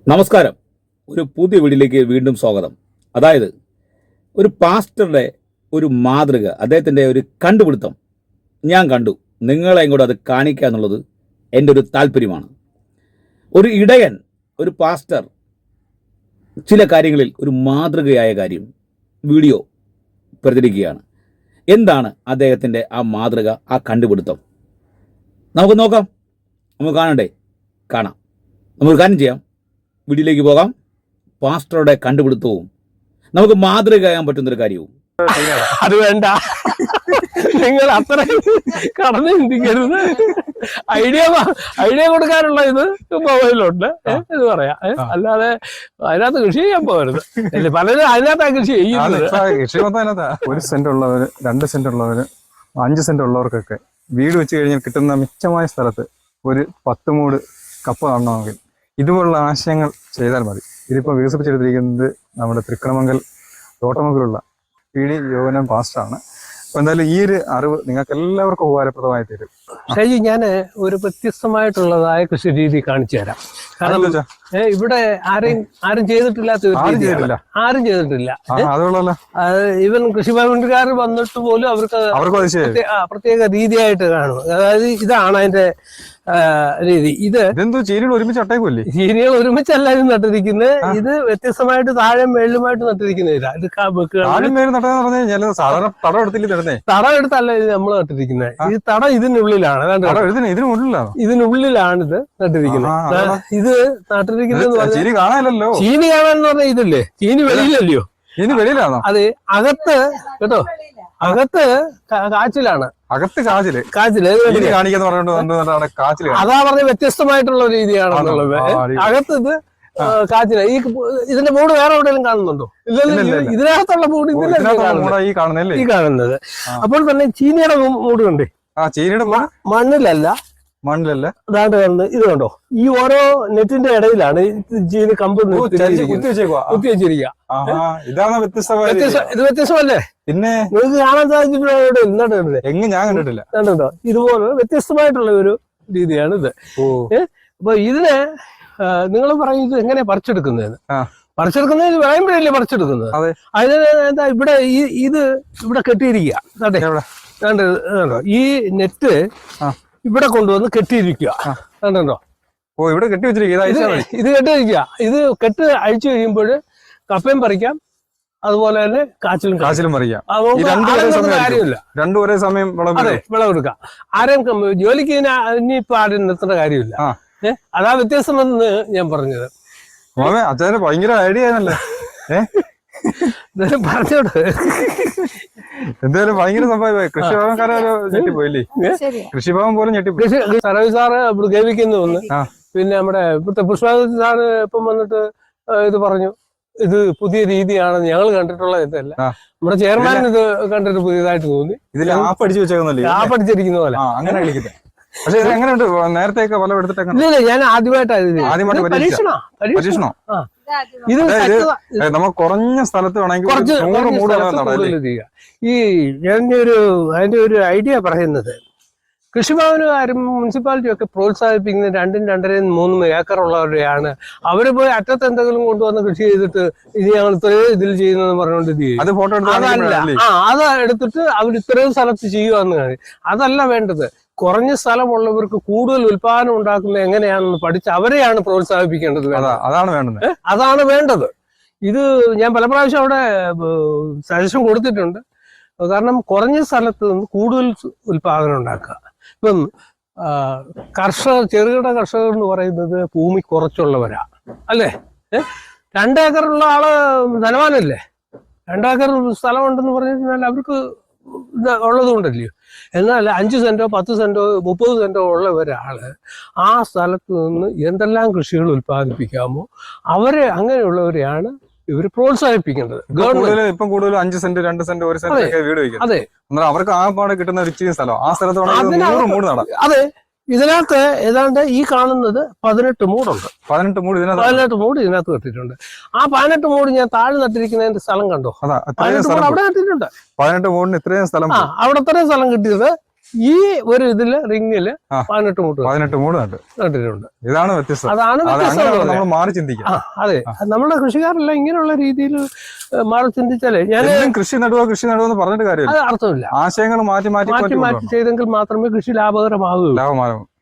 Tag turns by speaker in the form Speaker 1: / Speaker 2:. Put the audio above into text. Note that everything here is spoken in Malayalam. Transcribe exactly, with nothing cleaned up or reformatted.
Speaker 1: നമസ്കാരം. ഒരു പുതിയ വീഡിയോയിലേക്ക് വീണ്ടും സ്വാഗതം. അതായത് ഒരു പാസ്റ്ററുടെ ഒരു മാതൃക, അദ്ദേഹത്തിൻ്റെ ഒരു കണ്ടുപിടുത്തം ഞാൻ കണ്ടു. നിങ്ങളെയും കൂടെ അത് കാണിക്കുക എന്നുള്ളത് എൻ്റെ ഒരു താല്പര്യമാണ്. ഒരു ഇടയൻ, ഒരു പാസ്റ്റർ ചില കാര്യങ്ങളിൽ ഒരു മാതൃകയായ കാര്യം വീഡിയോ പ്രചരിക്കുകയാണ്. എന്താണ് അദ്ദേഹത്തിൻ്റെ ആ മാതൃക, ആ കണ്ടുപിടുത്തം? നമുക്ക് നോക്കാം, നമുക്ക് കാണണ്ടേ? കാണാം. നമുക്ക് കാര്യം ചെയ്യാം, വീഡിയോയിലേക്ക് പോകാം. പാസ്റ്ററുടെ കണ്ടുപിടുത്തവും നമുക്ക് മാതൃകയാകാൻ പറ്റുന്നൊരു കാര്യവും.
Speaker 2: അത് വേണ്ട, നിങ്ങൾ അത്ര കടന്നു ചിന്തിക്കരുത്. ഐഡിയ ഐഡിയ കൊടുക്കാനുള്ള ഇത് മൊബൈലുണ്ട്, ഇത് പറയാം. അല്ലാതെ അതിനകത്ത് കൃഷി ചെയ്യാൻ പോകരുത്. അല്ലെ, പലരും അതിനകത്താ കൃഷി ചെയ്യുന്നത്.
Speaker 3: കൃഷി മൊത്തം അതിനകത്താ. ഒരു സെന്റ് ഉള്ളവര്, രണ്ട് സെന്റ് ഉള്ളവര്, അഞ്ച് സെന്റ് ഉള്ളവർക്കൊക്കെ വീട് വെച്ച് കഴിഞ്ഞാൽ കിട്ടുന്ന മിച്ചമായ സ്ഥലത്ത് ഒരു പത്ത് മൂട് കപ്പ കാണണമെങ്കിൽ ഇതുപോലുള്ള ആശയങ്ങൾ ചെയ്താൽ മതി. ഇതിപ്പോൾ വികസിപ്പിച്ചെടുത്തിരിക്കുന്നത് നമ്മുടെ തൃക്കണമംഗൽ തോട്ടമംഗലുള്ള പി ഡി യോവനം പാസ്റ്ററാണ്. അപ്പൊ എന്തായാലും ഈ ഒരു അറിവ് നിങ്ങൾക്ക് എല്ലാവർക്കും ഉപകാരപ്രദമായി തരും.
Speaker 2: ഷൈജി, ഞാൻ ഒരു വ്യത്യസ്തമായിട്ടുള്ളതായ കൃഷി രീതി കാണിച്ചു തരാം. കാരണം ഇവിടെ ആരെയും ആരും ചെയ്തിട്ടില്ലാത്ത ആരും ചെയ്തിട്ടില്ല. ഈവൻ കൃഷിഭവൻകാർ വന്നിട്ട് പോലും അവർക്ക് പ്രത്യേക രീതിയായിട്ട് കാണും. അതായത് ഇതാണ് അതിന്റെ രീതി. ഇത്
Speaker 3: ചീനികൾ ഒരുമിച്ച് അട്ടേക്കുമല്ലേ?
Speaker 2: ചീനികൾ ഒരുമിച്ചല്ല ഇത് നട്ടിരിക്കുന്നത്. ഇത് വ്യത്യസ്തമായിട്ട് താഴെ മേളിലുമായിട്ട് നട്ടിരിക്കുന്നില്ല. ഇത് തടം എടുത്തല്ല ഇത് നമ്മൾ നട്ടിരിക്കുന്നത്. ഈ തടം ഇതിനുള്ളിലാണ്. ഇതിനുള്ളിലാണ് ഇത് നട്ടിരിക്കുന്നത്. ഇത് നട്ടിരിക്കുന്നത് ചീനി കാണാനെന്ന് പറഞ്ഞാൽ ഇതല്ലേ, ചീനി വെളിയിലല്ലയോ?
Speaker 3: ചീനി വെളിയിലാണോ?
Speaker 2: അത് അകത്ത് കേട്ടോ, അകത്ത് കാച്ചിലാണ്.
Speaker 3: അകത്ത് കാച്ചില്
Speaker 2: കാച്ചില് അതാ പറഞ്ഞ വ്യത്യസ്തമായിട്ടുള്ള രീതിയാണെന്നുള്ളത്. അകത്ത് ഇത് കാച്ചില. ഈ ഇതിന്റെ മൂട് വേറെ എവിടെയെങ്കിലും കാണുന്നുണ്ടോ? ഇല്ലല്ലോ, ഇതിനകത്തുള്ള മൂട് ഈ കാണുന്നത്. അപ്പോൾ തന്നെ ചീനിയുടെ മൂട് കണ്ടേ?
Speaker 3: ചീനിയുടെ
Speaker 2: മണ്ണിലല്ല
Speaker 3: മണ്ണിലല്ല
Speaker 2: അതാണ്ട് കാണുന്നത്. ഇത് കണ്ടോ, ഈ ഓരോ നെറ്റിന്റെ ഇടയിലാണ് ചീനി കമ്പ് കുത്തി വെച്ചിരിക്കുക. ഇത് വ്യത്യസ്തമല്ലേ?
Speaker 3: പിന്നെ
Speaker 2: നിങ്ങൾക്ക് കാണാൻ സാധിച്ചിട്ടുണ്ടോ?
Speaker 3: എങ്ങും ഞാൻ കണ്ടിട്ടില്ല.
Speaker 2: കണ്ടോ, ഇതുപോലെ വ്യത്യസ്തമായിട്ടുള്ള ഒരു രീതിയാണ് ഇത്. അപ്പൊ ഇതിനെ നിങ്ങൾ പറയുന്നത് എങ്ങനെയാ പറിച്ചെടുക്കുന്നതെന്ന്. പറിച്ചെടുക്കുന്നത് പറയുമ്പോഴല്ലേ പറിച്ചെടുക്കുന്നത്. അതിന് എന്താ ഇവിടെ ഈ ഇത് ഇവിടെ കെട്ടിയിരിക്കുക. കണ്ടോ, ഈ നെറ്റ് ഇവിടെ കൊണ്ടുവന്ന് കെട്ടിയിരിക്കുക. കണ്ടോ,
Speaker 3: ഓ ഇവിടെ കെട്ടി വെച്ചിരിക്കുക.
Speaker 2: ഇത് കെട്ടിയിരിക്കുക. ഇത് കെട്ട് അഴിച്ചു കഴിയുമ്പോൾ കപ്പയും പറിക്കാം, അതുപോലെ തന്നെ കാച്ചിലും
Speaker 3: കാച്ചിലും പറിക്കാം.
Speaker 2: കാര്യമില്ല,
Speaker 3: രണ്ടു ഒരേ സമയം
Speaker 2: വിളവെടുക്കാം. ആരെയും ജോലിക്ക് ഇനിയിപ്പോ ആരും നിർത്തേണ്ട കാര്യമില്ല. ഏഹ് അതാ വ്യത്യാസമെന്ന് ഞാൻ പറഞ്ഞത്.
Speaker 3: അച്ഛന് ഭയങ്കര ഐഡിയ ആണല്ലേ?
Speaker 2: പറഞ്ഞോട്
Speaker 3: എന്തായാലും ഭയങ്കര സംഭവമായി. കൃഷിഭവൻകാരെ ഞെട്ടിപ്പോയില്ലേ? കൃഷിഭവൻ പോലും ഞെട്ടിപ്പോയി.
Speaker 2: സർവീസ് സാറ് ഇവിടെ ഗേവിക്കുന്നു ഒന്ന്. പിന്നെ നമ്മുടെ ഇവിടുത്തെ പുഷ്പാവതി സാറ് ഇപ്പം വന്നിട്ട് ഇത് പറഞ്ഞു, ഇത് പുതിയ രീതിയാണ്, ഞങ്ങൾ കണ്ടിട്ടുള്ള ഇതല്ല. നമ്മുടെ ചെയർമാൻ ഇത് കണ്ടിട്ട് പുതിയതായിട്ട് തോന്നി.
Speaker 3: ഇതിൽ ആപ്പ് അടിച്ചു വെച്ചേക്കുന്നല്ലേ?
Speaker 2: ആപ്പ് അടിച്ചിരിക്കുന്ന പോലെ
Speaker 3: അങ്ങനെ കളിക്കുന്നത്. പക്ഷെ എങ്ങനെയുണ്ട്? നേരത്തെയൊക്കെ വല എടുത്തിട്ട്
Speaker 2: ഇല്ല, ഞാൻ ആദ്യമായിട്ടാണ്
Speaker 3: ആദ്യമായിട്ട് പരീക്ഷണോ? ഇത് നമ്മൾ കുറഞ്ഞ സ്ഥലത്ത് വേണമെങ്കിൽ
Speaker 2: ഈ ഞാൻ ഒരു അതിന്റെ ഒരു ഐഡിയ പറയുന്നത്, കൃഷിഭവനുകാരും മുനിസിപ്പാലിറ്റിയും ഒക്കെ പ്രോത്സാഹിപ്പിക്കുന്ന രണ്ടും രണ്ടരയും മൂന്നും ഏക്കർ ഉള്ളവരെയാണ്. അവര് പോയി അറ്റത്ത് എന്തെങ്കിലും കൊണ്ടുവന്ന് കൃഷി ചെയ്തിട്ട് ഇത് ഞങ്ങൾ ഇത്രയും ഇതിൽ ചെയ്യുന്നതെന്ന് പറഞ്ഞുകൊണ്ട് ഇത് ചെയ്യും. അതല്ല, ആ അത് എടുത്തിട്ട് അവർ ഇത്രയും സ്ഥലത്ത് ചെയ്യുവാന്ന് കാര്യം. അതല്ല വേണ്ടത്. കുറഞ്ഞ സ്ഥലമുള്ളവർക്ക് കൂടുതൽ ഉൽപാദനം ഉണ്ടാക്കുന്നത് എങ്ങനെയാണെന്ന് പഠിച്ച് അവരെയാണ് പ്രോത്സാഹിപ്പിക്കേണ്ടത്.
Speaker 3: അതാണ് വേണ്ടത്.
Speaker 2: അതാണ് വേണ്ടത്. ഇത് ഞാൻ പല പ്രാവശ്യം അവിടെ സജഷൻ കൊടുത്തിട്ടുണ്ട്. കാരണം കുറഞ്ഞ സ്ഥലത്ത് നിന്ന് കൂടുതൽ ഉൽപാദനം ഉണ്ടാക്കുക. ഇപ്പം കർഷകർ, ചെറുകിട കർഷകർ എന്ന് പറയുന്നത് ഭൂമി കുറച്ചുള്ളവരാ അല്ലേ? രണ്ടേക്കറുള്ള ആള് ധനവാനല്ലേ? രണ്ടേക്കർ സ്ഥലമുണ്ടെന്ന് പറഞ്ഞു കഴിഞ്ഞാൽ അവർക്ക് ഇത് ഉള്ളത് കൊണ്ടല്ലയോ. എന്നാൽ അഞ്ച് സെന്റോ പത്ത് സെന്റോ മുപ്പത് സെന്റോ ഉള്ള ഒരാള് ആ സ്ഥലത്ത് നിന്ന് എന്തെല്ലാം കൃഷികൾ ഉൽപ്പാദിപ്പിക്കാമോ അവരെ, അങ്ങനെയുള്ളവരെയാണ് ഇവർ പ്രോത്സാഹിപ്പിക്കേണ്ടത്.
Speaker 3: ഗവൺമെന്റ് ഇപ്പം കൂടുതലും അഞ്ച് സെന്റ് രണ്ട് സെന്റ് ഒരു സെന്റ് ഒക്കെ വീട് വയ്ക്കും.
Speaker 2: അതെ,
Speaker 3: അവർക്ക് ആ പാടെ കിട്ടുന്ന ഒരു ഇച്ചിരി സ്ഥലം ആ സ്ഥലത്ത്.
Speaker 2: അതെ, ഇതിനകത്ത് ഏതാണ്ട് ഈ കാണുന്നത് പതിനെട്ട് മൂടുണ്ട്.
Speaker 3: പതിനെട്ട് മൂട്
Speaker 2: പതിനെട്ട് മൂട് ഇതിനകത്ത് കെട്ടിയിട്ടുണ്ട്. ആ പതിനെട്ട് മൂട് ഞാൻ താഴെ നട്ടിരിക്കുന്നതിന്റെ സ്ഥലം കണ്ടോ? അവിടെ നട്ടിട്ടുണ്ട്.
Speaker 3: പതിനെട്ട് മൂടിന് ഇത്രയും സ്ഥലം.
Speaker 2: ആ അവിടെ ഇത്രയും സ്ഥലം കിട്ടിയത് ഈ ഒരു ഇതില് റിങ്ങില്
Speaker 3: ആ.
Speaker 2: പതിനെട്ട് മൂട്ട്
Speaker 3: പതിനെട്ട് മൂട് നട്ട്
Speaker 2: നട്ടിട്ടുണ്ട്.
Speaker 3: ഇതാണ് വ്യത്യസ്തം.
Speaker 2: അതാണ്
Speaker 3: അത്
Speaker 2: വ്യത്യസ്തം
Speaker 3: അങ്ങനെ
Speaker 2: ഉള്ളത്.
Speaker 3: നമ്മൾ മാറി ചിന്തിക്കാം.
Speaker 2: ആ, അതെ നമ്മുടെ കൃഷിക്കാരെല്ലാം ഇങ്ങനെയുള്ള രീതിയിൽ മാറി ചിന്തിച്ചാലേ ഞാൻ
Speaker 3: എന്നും കൃഷി നടുവോ കൃഷി നടുവോ എന്ന് പറഞ്ഞിട്ട് കാര്യമില്ല.
Speaker 2: അത് അർത്ഥമില്ല.
Speaker 3: ആശയങ്ങൾ മാറ്റി മാറ്റി
Speaker 2: മാറ്റി മാറ്റി ചെയ്തെങ്കിൽ മാത്രമേ കൃഷി ലാഭകരമാകൂ.
Speaker 3: ലാഭമാകും.